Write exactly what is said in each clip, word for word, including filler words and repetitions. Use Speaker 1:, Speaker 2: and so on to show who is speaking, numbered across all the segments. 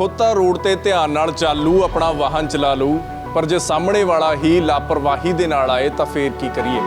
Speaker 1: खुद तो रोड ते ध्यान नाल चालू अपना वाहन चला लू, पर जे सामने वाला ही लापरवाही दे नाल आए तो फिर की करिए।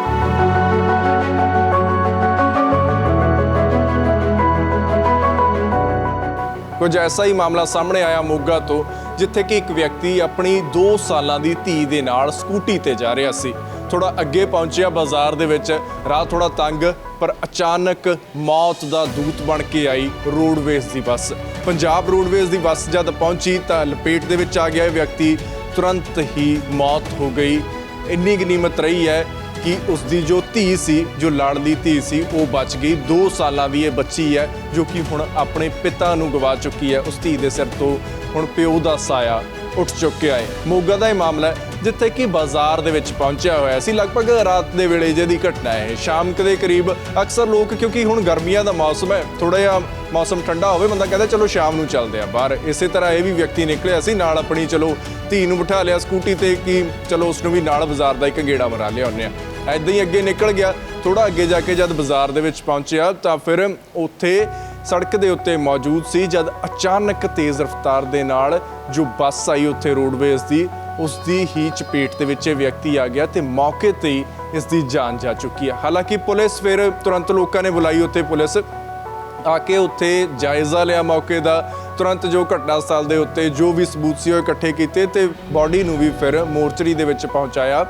Speaker 1: कुछ ऐसा ही मामला सामने आया मोगा तो, जिथे कि एक व्यक्ति अपनी दो साल की धी दे नाल स्कूटी ते जा रहा सी। थोड़ा अगे पहुंचिया बाजार दे विच, राह थोड़ा तंग, पर अचानक मौत दा दूत बन के आई रोडवेज की बस। पंजाब रोडवेज की बस जब पहुंची तो लपेट दे विच आ गया व्यक्ति, तुरंत ही मौत हो गई। इन्नी गनीमत रही है कि उसकी जो धी सी, जो लाडली धी सी, वो बच गई। दो साल की ये बच्ची है जो कि हुण अपने पिता नूं गवा चुकी है। उस धी दे सिर तो हुण प्यो दा साया उठ चुकिया है। मोगा का यह मामला है जिथे कि बाजार दे विच पहुंचा होया सी। लगभग रात के वेले जिहदी घटना है। शाम के करीब अक्सर लोग, क्योंकि हुण गर्मियां दा मौसम है, थोड़ा जिहा मौसम ठंडा होवे, बंदा कहता चलो शाम नूं चलदे आ बाहर। इसे तरह यह भी व्यक्ति निकलिया सी नाल अपनी, चलो धी नूं बिठा लिया स्कूटी ते कि चलो उसनूं भी नाल बाजार दा एक गेड़ा मरा लिया आउने आ। ऐदां ही अगे निकल गया। थोड़ा अगे जाके जब बाजार दे विच पहुंचिया तो फिर उत्थे सड़क दे उत्ते मौजूद सी, जब अचानक तेज़ रफ्तार दे नाल जो बस आई उत्थे रोडवेज की, उसकी ही चपेट दे विच व्यक्ति आ गया तो मौके ते ही इसकी जान जा चुकी है। हालांकि पुलिस फिर तुरंत लोगों ने बुलाई, उत्थे पुलिस आके उत्थे जायज़ा लिया मौके का। तुरंत जो घटना स्थल के उत्ते जो भी सबूत सी इकट्ठे किए तो बॉडी नूं भी फिर मोर्चरी दे विच पहुँचाया,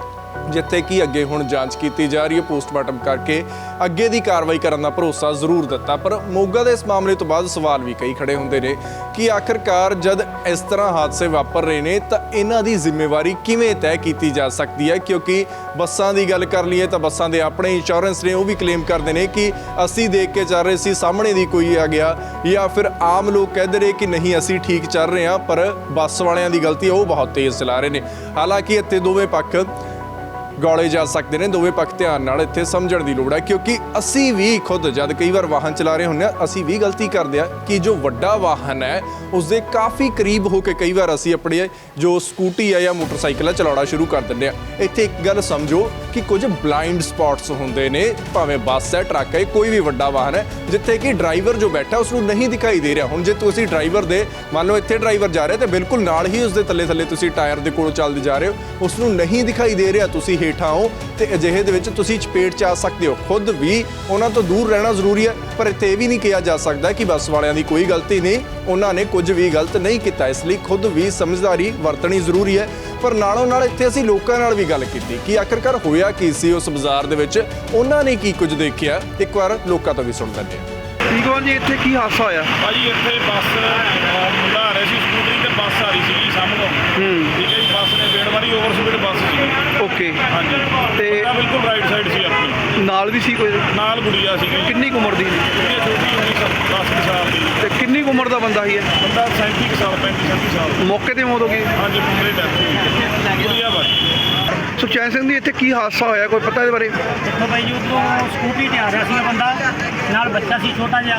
Speaker 1: जिथे कि अगे हुण जांच की जा रही है। पोस्टमार्टम करके अगे की कार्रवाई करने का भरोसा जरूर दिता। पर मोगा के इस मामले तो बाद सवाल भी कई खड़े होंदे ने कि आखिरकार जब इस तरह हादसे वापर रहे हैं तो इन्हां दी जिम्मेवारी किवें तय की जा सकती है। क्योंकि बसां की गल कर लीए तो बसां दे अपने इंश्योरेंस ने, वो भी क्लेम करते हैं कि असी देख के चल रहे सी, सामने दी कोई आ गया, या फिर आम लोग कहते रहे कि नहीं असी ठीक चल रहे हैं, पर बस वालियां दी गलती है, वो बहुत तेज़ चला रहे हैं। हालांकि इत्थे दोवें पक्ष गौले जा सकते हैं, दोवें पक्ष ध्यान नाल इत्थे समझण दी लोड़ है। क्योंकि असी भी खुद जब कई बार वाहन चला रहे होंगे असी भी गलती करते हैं कि जो वड्डा वाहन है उसके काफ़ी करीब होकर कई बार असी अपने जो स्कूटी है या मोटरसाइकिल है चलाना शुरू कर देंगे। इत्थे एक गल समझो कि कुछ ब्लाइंड स्पॉट्स होंदे ने, भावें बस है, ट्रक है, कोई भी वड्डा वाहन है, जिथे कि ड्राइवर जो बैठा उसनूं नहीं दिखाई दे रहा। हुण जे तुसीं ड्राइवर दे मान लो इत्थे ड्राइवर जा रहा तो बिल्कुल नाल ही उसके थल्ले थल्ले तुसीं टायर के कोल चलदे जा रहे हो, उसनूं नहीं दिखाई दे रहा, तुसीं हेठां हो तो अजिहे दे विच तुसीं चपेट च आ सकते हो। खुद भी उन्हां तो दूर रहना जरूरी है, पर इत्थे ये भी नहीं कहा जा सकता कि बस वालियां दी कोई गलती नहीं, उन्होंने कुछ भी गलत नहीं किया। इसलिए खुद भी समझदारी वरतनी जरूरी है। पर नालों नाल इत्थे असीं लोकां नाल भी गल कीती कि आखिरकार होया की सी उस बाजार दे विच, उन्होंने की कुछ देखिया, एक बार लोकां तो भी सुण लैंदे हां।
Speaker 2: ठीक हो जी, इत्थे की हादसा होया?
Speaker 3: भाजी इत्थे बस मुंडा आ रहा सी स्कूटरी ते बस आ रही सी सामने। ठीक है जी, बस ने बेड़ मारी, ओवर स्पीड बस सी।
Speaker 2: ओके।
Speaker 3: हाँ जी,
Speaker 2: ते
Speaker 3: बिल्कुल राइट साइड सी अपनी,
Speaker 2: नाल भी सी कोई?
Speaker 3: नाल गुड़िया सी।
Speaker 2: किन्नी कुछ उम्र दी?
Speaker 3: गुड़िया छोटी होनी दस साल की।
Speaker 2: ते किन्नी कुछ उम्र दा बंदा ही है?
Speaker 3: बंदा सैंती साल पैंती सैंती साल।
Speaker 2: मौके ते मौत हो गई?
Speaker 3: हाँ जी, मुंडे डेथ हुई। गुड़िया बस।
Speaker 2: सुखचैन सिंह जी, इत्थे की हादसा होया, कोई पता इहदे बारे?
Speaker 4: देखो भाई, उधरों स्कूटी ते आ रहा सी बंदा, नाल बच्चा सी छोटा जिहा,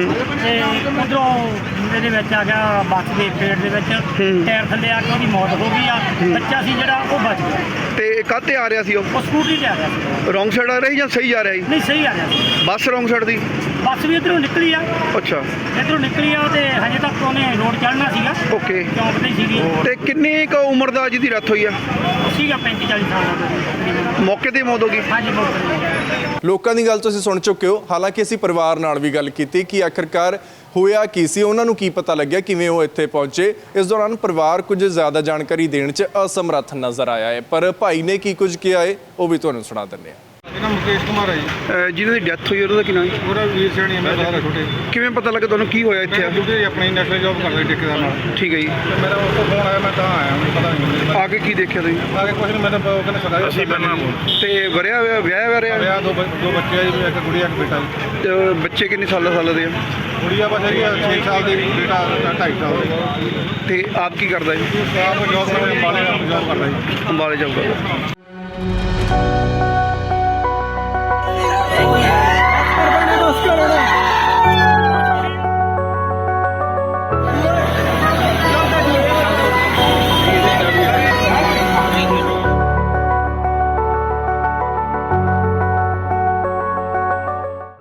Speaker 4: ते उधरों मुंडे दे विच आ गया बस दे पेड़ दे विच, टायर थल्ले आ के ਉਹਦੀ मौत हो गई आ। बच्चा सी ਜਿਹੜਾ ਉਹ बच गया।
Speaker 2: ਤੇ ਕਾਹਤੇ ਆ ਰਿਹਾ ਸੀ ਉਹ?
Speaker 4: ਉਹ ਸਕੂਟਰੀ ਤੇ ਆ ਰਿਹਾ ਸੀ।
Speaker 2: ਰੌਂਗ ਸਾਈਡ ਆ ਰਿਹਾ ਸੀ ਜਾਂ ਸਹੀ ਆ ਰਿਹਾ ਸੀ?
Speaker 4: ਨਹੀਂ, ਸਹੀ ਆ ਰਿਹਾ ਸੀ।
Speaker 2: ਬੱਸ ਰੌਂਗ ਸਾਈਡ ਦੀ?
Speaker 4: ਬੱਸ ਵੀ ਇੱਧਰੋਂ ਨਿਕਲੀ ਆ।
Speaker 2: ਅੱਛਾ।
Speaker 4: ਇੱਧਰੋਂ ਨਿਕਲੀ ਆ ਤੇ ਹਜੇ ਤੱਕ ਉਹਨੇ ਰੋਡ ਚੜ੍ਹਨਾ ਸੀਗਾ।
Speaker 2: ਓਕੇ।
Speaker 4: ਚੌਂਕ ਤੇ ਹੀ ਸੀਗੀ।
Speaker 2: ਤੇ ਕਿੰਨੀ ਕੁ ਉਮਰ ਦਾ ਜਿਹਦੀ ਡੈਥ ਹੋਈ ਆ?
Speaker 4: ਉਹ ਸੀਗਾ ਪੈਂਤੀ ਚਾਲੀ ਸਾਲ ਦਾ ਤਕਰੀਬਨ।
Speaker 2: ਮੌਕੇ ਤੇ ਮੌਤ ਹੋ ਗਈ?
Speaker 4: ਹਾਂਜੀ, ਬਹੁਤ।
Speaker 1: ਲੋਕਾਂ ਦੀ ਗੱਲ ਤੁਸੀਂ ਸੁਣ ਚੁੱਕੇ ਹੋ। ਹਾਲਾਂਕਿ ਅਸੀਂ ਪਰਿਵਾਰ ਨਾਲ ਵੀ ਗੱਲ ਕੀਤੀ ਕਿ ਆਖਿਰਕਾਰ ਹੋਇਆ ਕੀ ਸੀ, ਉਹਨਾਂ ਨੂੰ ਕੀ ਪਤਾ ਲੱਗਿਆ, ਕਿਵੇਂ ਉਹ ਇੱਥੇ ਪਹੁੰਚੇ। ਇਸ ਦੌਰਾਨ ਪਰਿਵਾਰ ਕੁਝ ਜ਼ਿਆਦਾ ਜਾਣਕਾਰੀ ਦੇਣ 'ਚ ਅਸਮਰੱਥ ਨਜ਼ਰ ਆਇਆ ਹੈ, ਪਰ ਭਾਈ ਨੇ ਕੀ ਕੁਝ ਕਿਹਾ ਹੈ ਉਹ ਵੀ ਤੁਹਾਨੂੰ ਸੁਣਾ ਦਿੰਦੇ ਹਾਂ।
Speaker 3: ਇਹਦਾ ਮੁਕੇਸ਼ ਕੁਮਾਰ ਹੈ ਜੀ।
Speaker 2: ਅਹ ਜਿਹਨਾਂ ਦੀ ਡੈਥ ਹੋਈ ਉਹਦਾ ਕੀ ਨਾਮ ਹੈ?
Speaker 3: ਉਹਦਾ ਵੀਰ ਸੈਣੀ ਹੈ, ਮੇਰਾ ਦਾਦਾ ਛੋਟੇ।
Speaker 2: ਕਿਵੇਂ ਪਤਾ ਲੱਗਾ ਤੁਹਾਨੂੰ ਕੀ ਹੋਇਆ ਇੱਥੇ?
Speaker 3: ਡਿਊਟੀ ਆਪਣੀ ਨੈਸ਼ਨਲ ਜੌਬ ਕਰਦਾ ਠੇਕੇਦਾਰ ਨਾਲ।
Speaker 2: ਠੀਕ ਹੈ ਜੀ।
Speaker 3: ਤੇ ਮੇਰਾ ਉਹ ਤੋਂ ਫੋਨ ਆਇਆ, ਮੈਂ ਤਾਂ ਆਇਆ, ਮੈਨੂੰ ਪਤਾ ਨਹੀਂ ਮੈਨੂੰ।
Speaker 2: ਆ ਕੇ ਕੀ ਦੇਖਿਆ ਤੁਸੀਂ?
Speaker 3: ਆ ਕੇ ਕੁਝ ਨਹੀਂ, ਮੈਨੂੰ ਉਹ ਕਹਿੰਦੇ ਸਦਾ ਅਸੀਂ ਬੰਨਾ
Speaker 2: ਤੇ ਵਰਿਆ ਹੋਇਆ ਵਿਆਹ ਵਰਿਆ?
Speaker 3: ਵਿਆਹ ਦੋ ਬ- ਦੋ ਬੱਚੇ ਆ ਜੀ, ਇੱਕ ਗੁੜੀਆ ਇੱਕ ਬੇਟਾ ਜੀ।
Speaker 2: ਤੇ ਬੱਚੇ ਕਿੰਨੇ ਸਾਲਾਂ ਸਾਲਾਂ ਦੇ ਆ?
Speaker 3: ਗੁੜੀਆ ਬਸ ਹੈਗੀ ਆ ਛੇ ਸਾਲ ਦੀ, ਬੇਟਾ ਢਾਈ ਸਾਲ ਦਾ।
Speaker 2: ਤੇ ਆਪ ਕੀ ਕਰਦਾ ਜੀ?
Speaker 3: ਆਪ ਜੌਬ ਕਰਦਾ, ਅੰਬਾਲੇ ਜੌਬ ਕਰਦਾ ਜੀ।
Speaker 2: ਅੰਬਾਲੇ ਜੌਬ ਕਰਦਾ।